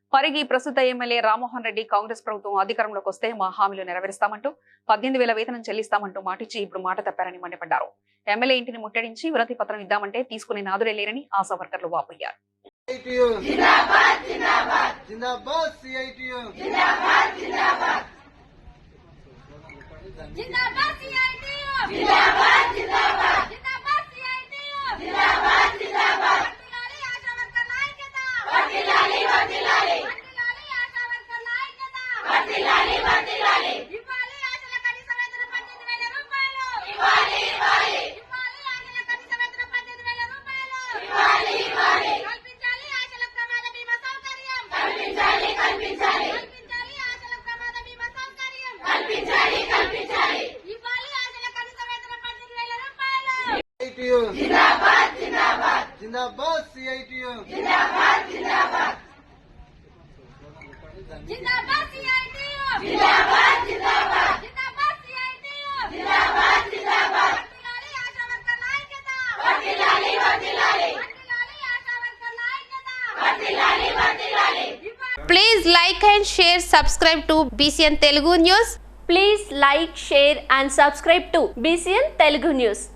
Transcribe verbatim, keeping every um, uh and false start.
పరిగి ప్రస్తుత ఎమ్మెల్యే రామ్మోహన్ రెడ్డి కాంగ్రెస్ ప్రభుత్వం అధికారంలోకి వస్తే మా హామీలు నెరవేరుస్తామంటూ పద్దెనిమిది వేల వేతనం చెల్లిస్తామంటూ మాటిచ్చి ఇప్పుడు మాట తప్పారని మండిపడ్డారు. ఎమ్మెల్యే ఇంటిని ముట్టడించి వినతి పత్రం ఇద్దామంటే తీసుకునే నాదుడే లేరని ఆశా వర్కర్లు వాపోయారు. जिंदाबाद जिंदाबाद जिंदाबाद सीआईटीयू जिंदाबाद जिंदाबाद जिंदाबाद सीआईटीयू जिंदाबाद जिंदाबाद जिंदाबाद सीआईटीयू जिंदाबाद जिंदाबाद वकीलाली आशा वर्कर नायकता वकीलाली वकीलाली वकीलाली आशा वर्कर नायकता वकीलाली वकीलाली. Please like and share, subscribe to B C N Telugu News. Please like, share and subscribe to B C N Telugu News.